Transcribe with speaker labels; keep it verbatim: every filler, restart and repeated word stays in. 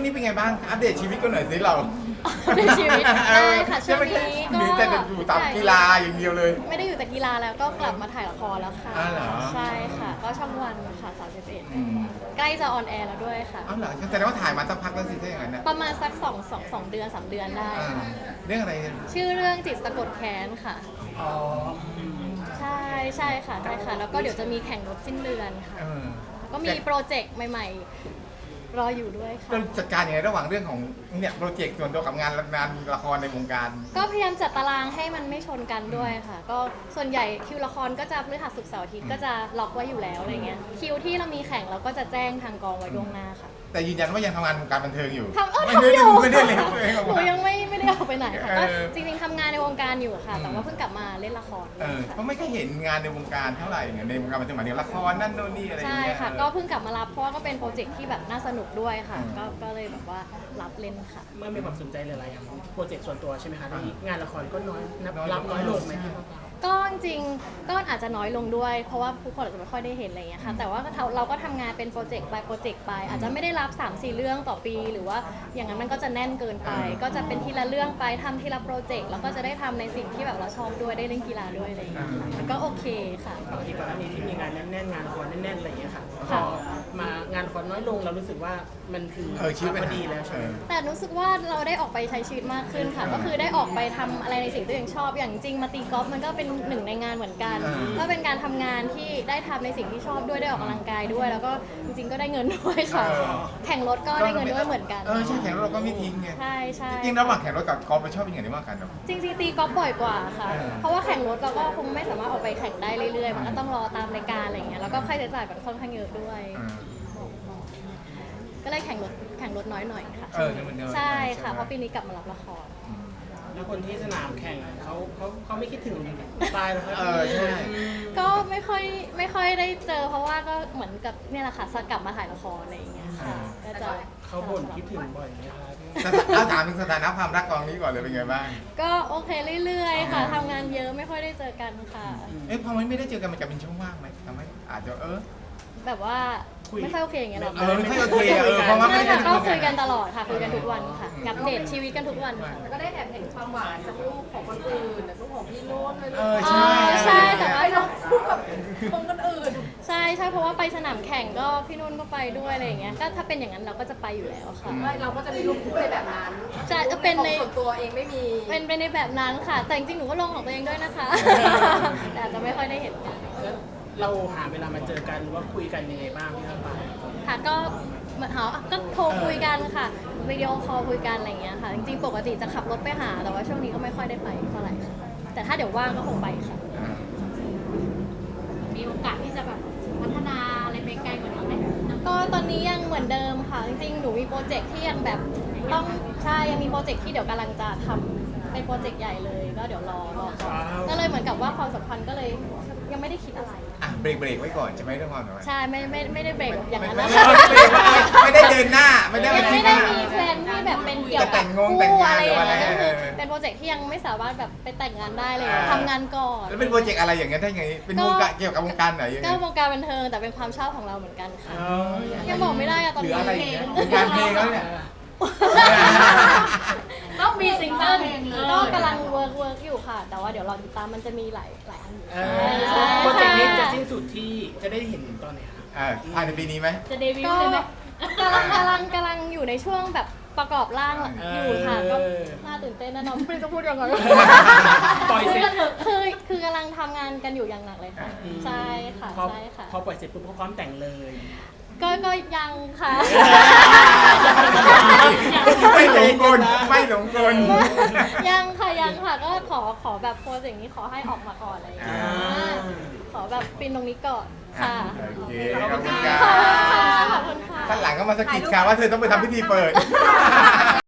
Speaker 1: นี้เป็นไงบ้างอัปเดตชีวิตกันหน่อยสิเรา
Speaker 2: ในชีวิตได้ค่ะช่วงนี้
Speaker 1: หรือแต่จะอยู่ตามกีฬาอย่างเดียวเลย
Speaker 2: ไม่ได้อยู่แต่กีฬาแล้วก็กลับมาถ่ายละครแล้วค่ะ
Speaker 1: อ้าวเหรอ
Speaker 2: ใช่ค่ะ ก็ช่องวันค่ะสามสิบเอ็ด
Speaker 1: อืม
Speaker 2: ใกล้จะออนแอร์แล้วด้วยค่ะ
Speaker 1: อ้าวเหรอแสดงว่าถ่ายมาสักพักแล้วสิถ้าอย่างนั้นนะ
Speaker 2: ประมาณสักสองสองสองเดือนสามเดือนได้
Speaker 1: อ่า
Speaker 2: ค่ะ
Speaker 1: เรื่องอะไร
Speaker 2: ชื่อเรื่องจิตสะกดแค้นค่ะ
Speaker 1: อ๋อ
Speaker 2: ใช่ใช่ค่ะใช่ค่ะ แล้วก็เดี๋ยวจะมีแข่งรถสิ้นเดือนค่ะ
Speaker 1: เออ
Speaker 2: ก็มีโปรเจกต์ใหม่ๆ รออยู่ด้วยค่ะ
Speaker 1: เราจัดการยังไงระหว่างเรื่องของเนี่ยโปรเจกต์ส่วนตัวกับงานงานละครในวงการ
Speaker 2: ก็พยายามจัดตารางให้มันไม่ชนกันด้วยค่ะ ก็ส่วนใหญ่คิวละครก็จะพฤหัสศุกร์เสาร์อาทิตย์ก็จะล็อกไว้อยู่แล้วอะไรเงี้ยคิวที่เรามีแข่งเราก็จะแจ้งทางกองไว้ล่วงหน้าค่ะ
Speaker 1: แต่ยืนยันว่ายังทำงานวงการบันเทิงอยู่
Speaker 2: ทำเออ
Speaker 1: ไม่
Speaker 2: ทำ
Speaker 1: ได้
Speaker 2: อยู่
Speaker 1: ไม่ได้เลยตัวเองออก
Speaker 2: หนู
Speaker 1: มา
Speaker 2: ยังไม่ไม่ได้ออกไปไหนค่ะ
Speaker 1: เอ
Speaker 2: ก็
Speaker 1: อ
Speaker 2: จริงๆทำงานในวงการอยู่ค่ะ แต่ว่าเพิ่งกลับมาเล่นละคร
Speaker 1: เออเพ
Speaker 2: ค่ะ
Speaker 1: ราะไม่เคยเห็นงานในวงการเท่าไหร่ไงในวงการบันเทิงหมายถึงละครนั่นโน่นนี่อะไรอย่าง
Speaker 2: ใช่
Speaker 1: เงี้ย
Speaker 2: ค่ะ ก็เพิ่งกลับมารับเพราะว่าก็เป็นโปรเจกต์ที่แบบน่าสนุกด้วยค่ะ
Speaker 1: อืม
Speaker 2: ก็ก็เลยแบบว่ารับเล่นค่ะ
Speaker 3: เมื่อมีความสนใจหลายๆอย่างโปรเจกต์ส่วนตัวใช่ไหมคะที่งานละครก็น้อยนับ
Speaker 1: น้อย
Speaker 3: รับน้อยลงไหม
Speaker 1: ใช่
Speaker 3: พี่มะพร้าว
Speaker 2: ก็จริงๆก็อาจจะน้อยลงด้วย เพราะว่าผู้คนอาจจะไม่ค่อยได้เห็นอะไรอย่างเงี้ยค่ะ แต่ว่าเราก็ทำงานเป็นโปรเจกต์ไปโปรเจกต์ไป อาจจะไม่ได้รับ สามสี่ เรื่องต่อปี หรือว่าอย่างนั้นมันก็จะแน่นเกินไป ก็จะเป็นทีละเรื่องไปทำทีละโปรเจกต์แล้วก็จะได้ทำในสิ่งที่แบบเราชอบด้วยได้เล่นกีฬาด้วยอะไรอย่างเงี้ยค่ะมันก็โอเคค่ะ
Speaker 3: ปกติก่อนหน้านี้ที่มีงานแน่นๆงานละครแน่นๆอะไรอย่างเงี้ยค่ะพ
Speaker 2: ค่ะ
Speaker 3: อมางานละครน้อยลงเรารู้สึกว่ามันคือ
Speaker 1: เออชีวิต
Speaker 3: พ
Speaker 1: มัน
Speaker 3: อดีแล้วใช่ไหม
Speaker 2: แต่รู้สึกว่าเราได้ออกไปใช้ชีวิตมากขึ้นค่ะ ก็คือได้ออกไปทำอะไรในสิ่งที่ตัวเองชอบ อย่างจริงมาตีกอล์ฟมันก็เป็นหนึ่งในงานเหมือนกัน
Speaker 1: อ่า
Speaker 2: ก็เป็นการทำงานที่ได้ทำในสิ่งที่ชอบด้วยได้ออกกำลังกายด้วย แล้วก็จริงๆก็ได้เงินด้วยค่ะ แข่งรถก็ได้เงินด้วยเหมือนกัน
Speaker 1: เออใช่แข่งรถเราก็ไม่ทิ้งไง
Speaker 2: ใช่ใช่
Speaker 1: จริงๆระหว่างแข่งรถกับกอล์ฟเราชอบยังไงมากกันเนาะ
Speaker 2: จริงๆตีกอล์ฟบ่อยกว่าค่ะ
Speaker 1: เออ
Speaker 2: เพราะว่าแข่งรถเราก็คงไม่สามารถออกไปแข่งได้เรื่อยๆ มันก็ต้องรอตามรายการอะไรอย่างเงี้ย แล้วก็ค่าใช้จ่ายมันค่อนข้างเยอะด้วย
Speaker 1: เออ
Speaker 2: ก็เลยแข่งรถแข่งรถน้อยหน่อยค่ะ
Speaker 1: เออเนี่ยมันเดิน
Speaker 2: ใช่
Speaker 1: ใช่
Speaker 2: ค่ะ
Speaker 1: ไหม
Speaker 2: เพราะปีนี้กลับมารับละคร
Speaker 3: แล้วคนที่สนามแข่งอะเขาเขาเขาไม่คิดถึงตายหรอครับ
Speaker 1: เออใช่
Speaker 2: ก็ไม่ค่อยไม่ค่อยได้เจอ เพราะว่าก็เหมือนกับเนี่ยแหละค่ะสกลับมาถ่ายละครอะไรอย่างเงี้ยค่ะก็จะ
Speaker 3: เขาบ่นคิดถึงบ่อยไหมคะพี่
Speaker 1: สถาเอาถามถึงสถานะความรักกองนี้ก่อนเลยเป็นไงบ้าง
Speaker 2: ก็โอเคเรื่อยๆค่ะ
Speaker 1: อ่า
Speaker 2: ทำงานเยอะไม่ค่อยได้เจอกันค่ะ
Speaker 1: เอ๊ะพอมันไม่ได้เจอกันมันจะเป็นช่องว่างไหมทำให้อาจจะเออ
Speaker 2: แบบว่าไม่ค่อยโอเคอย่างเงี้ยหรอ
Speaker 1: เออไม่ค่อยโอเคอะเออเพราะว่าไม่
Speaker 2: ไม่
Speaker 1: ได้
Speaker 2: ค่ะ
Speaker 1: คุยกัน
Speaker 2: ก็คุยกันตลอดค่ะคุยกันทุกวันค่ะอัปเดตชีวิตกันทุกวันค่ะ
Speaker 4: ก็ได้แอบเห็นความหวานจากลูกของคนอื่นแต่ลูกของพี่นุ่นเลย
Speaker 1: เออ
Speaker 2: อ๋
Speaker 1: ใช่
Speaker 2: อใช่แต่ว่า
Speaker 4: ไปลงคู่กับคนคนอื่น
Speaker 2: ใช่ใช่เพราะว่าไปสนามแข่งก็พี่นุ่นก็ไปด้วยอะไรอย่างเงี้ยก็ถ้าเป็นอย่างนั้นเราก็จะไปอยู่แล้วค่ะ
Speaker 4: ไม่เราก็จะมีลูกคู่ในแบบนั้น
Speaker 2: ใช่จะเป็นใน
Speaker 4: ของส่วนตัวเองไม่มี
Speaker 2: เป็นไปในแบบนั้นค่ะ แต่จริงๆหนูก็ลงของตัวเองด้วยนะคะ แต่อาจจะไม่ค่อยได้เห็นกัน
Speaker 3: แล้วเราหาเวลามาเจอกันหรือว่าคุยกันยังไงบ้างพี่มะพร้าว
Speaker 2: ค่ะก็เหมือนเขาก็โทรคุยกันค่ะวิดีโอคอลคุยกันอะไรอย่างเงี้ยค่ะ จริงๆปกติจะขับรถไปหา แต่ว่าช่วงนี้ก็ไม่ค่อยได้ไปเท่าไหร่ค่ะแต่ถ้าเดี๋ยวว่างก็คงไปค่ะ
Speaker 5: มีโอกาสที่จะแบบพัฒนาอะไรไปไกลกว่านี้ไหม
Speaker 2: ก็ตอนนี้ยังเหมือนเดิมค่ะ จริงๆ หนูมีโปรเจกต์ที่ยังแบบต้องใช่ยังมีโปรเจกต์ที่เดี๋ยวกำลังจะทำเป็นโปรเจกต์ใหญ่เลย ก็เดี๋ยวรอรอก่อนก็เลยเหมือนกับว่าความสัมพันธ์ก็เลยยังไม่ได้คิดอะไร
Speaker 1: อ่ะเบรกเบรกไว้ก่อนใช่ไหมเรื่องความสัมพันธ์
Speaker 2: ใช่ไม่ไม่ไม่ได้เบรกอย่าง
Speaker 1: ไม่
Speaker 2: นั้น
Speaker 1: ไม่
Speaker 2: นะ
Speaker 1: ไม่ได้เดินหน้าไม่ได้
Speaker 2: ยัง
Speaker 1: คิ
Speaker 2: ไม่
Speaker 1: ด
Speaker 2: ได้
Speaker 1: หน้า
Speaker 2: มีแพลนที่แบบเป็นเกี่ยว
Speaker 1: จะแต่
Speaker 2: กับ
Speaker 1: งงงแต่ง
Speaker 2: คู่
Speaker 1: งาน
Speaker 2: อะไรอย่างเงี้ย
Speaker 1: หรือว่าอะไร
Speaker 2: ก็คือ
Speaker 1: เออ
Speaker 2: เป็นโปรเจกต์ที่ยังไม่สามารถแบบไปแต่งงานได้เลย
Speaker 1: อ่า
Speaker 2: ทำงานก่อน
Speaker 1: แล้วเป็นโปรเจกต์อะไรอย่างเงี้ยได้ไงเป็นวงการเกี่ยวกับวงการไหนยังไง
Speaker 2: ก็วงการบันเทิงแต่เป็นความชอบของเราเหมือนกันค่ะ
Speaker 1: อ๋อ
Speaker 2: ยังบอกไม่ได้อะตอน
Speaker 1: หรือ
Speaker 2: นี้
Speaker 1: อะไรอย่างเงี้ยเป็นงานเพลงแล้วเนี่ย
Speaker 5: ต้องมีซิงเกิลเพลงเลย
Speaker 2: ก็กำลังเวิร์กเวิร์กอยู่ค่ะ แต่ว่าเดี๋ยวรอติดตามมันจะมีหลายหลายอันอยู่
Speaker 3: เอ
Speaker 2: ใช่
Speaker 3: อโปรเจกต์นี้จะ
Speaker 2: ค่ะ
Speaker 3: สิ้นสุดที่จะได้เห็นตอนไหนคะ
Speaker 1: อ่าภายในปีนี้ไหม
Speaker 5: จะเดบิว
Speaker 2: ก็
Speaker 5: ต์เลยไหม
Speaker 2: กำลังกำลังกำลังอยู่ในช่วงแบบประกอบร่างอยู่ค่ะ ก็น่าตื่นเต้นแน่นอนไม่รู้จะพูดยังไง
Speaker 3: ปล่อยเสร็จ
Speaker 2: คือคือกำลังทำงานกันอยู่อย่างหนักเลยค่ะ ใช่ค่ะ
Speaker 3: พอ
Speaker 2: ใช่ค่ะ
Speaker 3: พอปล่อยเสร็จปุ๊บก็พร้อมแต่งเลย
Speaker 2: ก็ก็ยังค่ะ
Speaker 1: ไม่หลงกลไม่หลงกล
Speaker 2: ยังค่ะยังค่ะก็ขอขอแบบโพสต์อย่างนี้ขอให้ออกมาก่อนอะไรอย่างเงี้ย
Speaker 1: อ่า
Speaker 2: ขอแบบฟินตรงนี้ก่อนค่ะ
Speaker 1: โอเคขอบคุณค
Speaker 2: ขอบคุณ
Speaker 1: รั
Speaker 2: ค่ะ
Speaker 1: บ
Speaker 2: ขอบคุณค่ะ
Speaker 1: ท่านหลังก็มาสะกิดค่ะว่าเธอต้องไปทำพิธีเปิด